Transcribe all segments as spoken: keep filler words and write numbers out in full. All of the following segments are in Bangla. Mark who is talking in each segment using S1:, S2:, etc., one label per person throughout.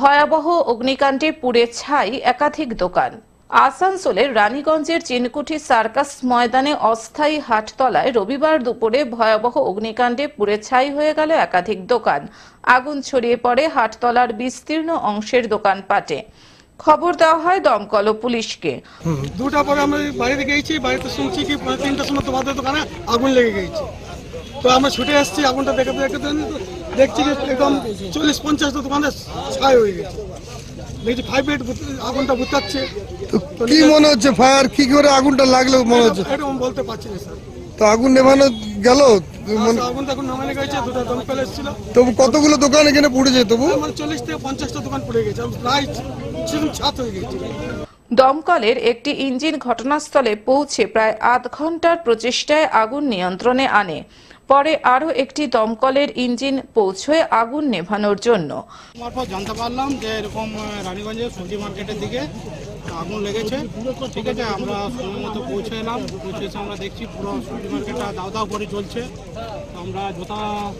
S1: ভয়াবহ অগ্নিকাণ্ডে পুড়ে ছাই একাধিক দোকান। আসানসোলের রানীগঞ্জের চিনকুঠি সার্কাস ময়দানে অস্থায়ী হাটতলায় রবিবার দুপুরে ভয়াবহ অগ্নিকাণ্ডে পুড়ে ছাই হয়ে গেল একাধিক দোকান। আগুন ছড়িয়ে পড়ে হাটতলার বিস্তীর্ণ অংশের দোকানপাটে। খবর দেওয়া হয় দমকল ও পুলিশকে।
S2: দুটা পরে আমরা বাড়িতে গিয়েছি, বাড়িতে শুনছি কি তিনটার সময় তোমাদের দোকানে আগুন লেগে গেছে। তো আমরা ছুটে আসছি, আগুনটা দেখতে দেখতে দেখছি যে একদম চল্লিশ পঞ্চাশটা দোকানে ছাই হয়ে গেছে। দেখছি ফাইভ এইট আগুনটা বুতাচ্ছে।
S3: কি মনে হচ্ছে ফায়ার কি করে আগুনটা লাগলো মনে হচ্ছে?
S2: এটা আমি বলতে পারছি না স্যার।
S3: তো আগুন নেভানো গেল?
S2: আগুন তখন নামানো গেছে, দুটা দমকল এসেছিল।
S3: তবু কতগুলো দোকান এখানে পুড়েছে? তবু
S2: মানে চল্লিশ থেকে পঞ্চাশটা দোকান পুড়ে গেছে, প্রায় সেরকম ছাদ হয়ে গেছে।
S1: দমকলের একটি ইঞ্জিন ঘটনাস্থলে পৌঁছে প্রায় আধ ঘন্টার প্রচেষ্টায় আগুন নিয়ন্ত্রণে আনে। পরে আরও একটি দমকলের ইঞ্জিন পৌঁছয় আগুন নেভানোর জন্য।
S4: মারফত জানতে পারলাম যে এরকম রানীগঞ্জের সবজি মার্কেটের দিকে আগুন লেগেছে। ঠিক আছে, আমরা সময় মতো পৌঁছে এলাম। পৌঁছে এসে আমরা দেখছি পুরো সবজি মার্কেটটা দাও দাও করে চলছে। আমরা যথা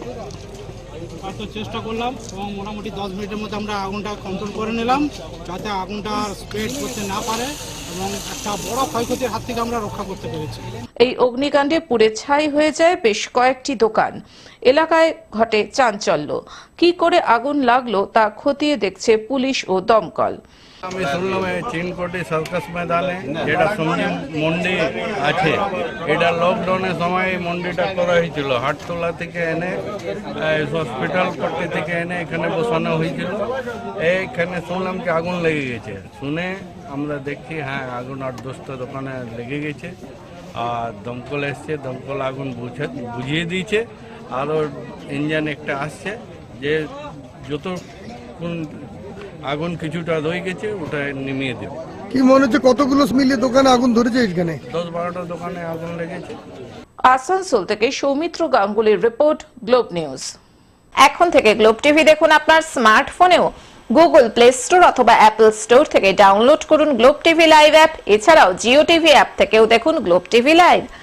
S4: পারত চেষ্টা করলাম এবং মোটামুটি দশ মিনিটের মধ্যে আমরা আগুনটা কন্ট্রোল করে নিলাম, যাতে আগুনটা স্প্রেড করতে না পারে এবং একটা বড় ক্ষয়ক্ষতির হাত থেকে আমরা রক্ষা করতে পেরেছি।
S1: এই অগ্নিকাণ্ডে পুড়ে ছাই হয়ে যায় বেশ কয়েকটি দোকান। এলাকায় ঘটে চাঞ্চল্য। কি করে আগুন লাগলো তা খতিয়ে দেখছে পুলিশ ও দমকল।
S5: আমি শুনলাম এই চিনকুঠি সার্কাস ময়দানে যেটা সবজি মন্ডি আছে, এটা লকডাউনের সময় এই মন্ডিটা করা হয়েছিল। হাটতলা থেকে এনে হসপিটাল পট্টি থেকে এনে এখানে বসানো হয়েছিল। এইখানে শুনলাম কি আগুন লেগে গেছে। শুনে আমরা দেখছি হ্যাঁ আগুন আট দশটা দোকানে লেগে গেছে। আর দমকল এসছে, দমকল আগুন বুঝে বুঝিয়ে দিয়েছে। আরও ইঞ্জিন একটা আসছে যে যত কোন আগুন কিছুটা রয়ে গেছে ওটা নিমিয়ে দেবে।
S3: কি মনে হচ্ছে কতগুলো মিলিয়ে দোকানে আগুন ধরেছে? এখানে
S5: দশ বারোটা দোকানে আগুন লেগেছে।
S1: আসানসোল থেকে সৌমিত্র গাঙ্গুলির রিপোর্ট, গ্লোব নিউজ। এখন থেকে গ্লোব টিভি দেখুন আপনার স্মার্টফোনেও। গুগল প্লে স্টোর অথবা অ্যাপল স্টোর থেকে ডাউনলোড করুন গ্লোব টিভি লাইভ অ্যাপ। এছাড়াও জিও টিভি অ্যাপ থেকেও দেখুন গ্লোব টিভি লাইভ।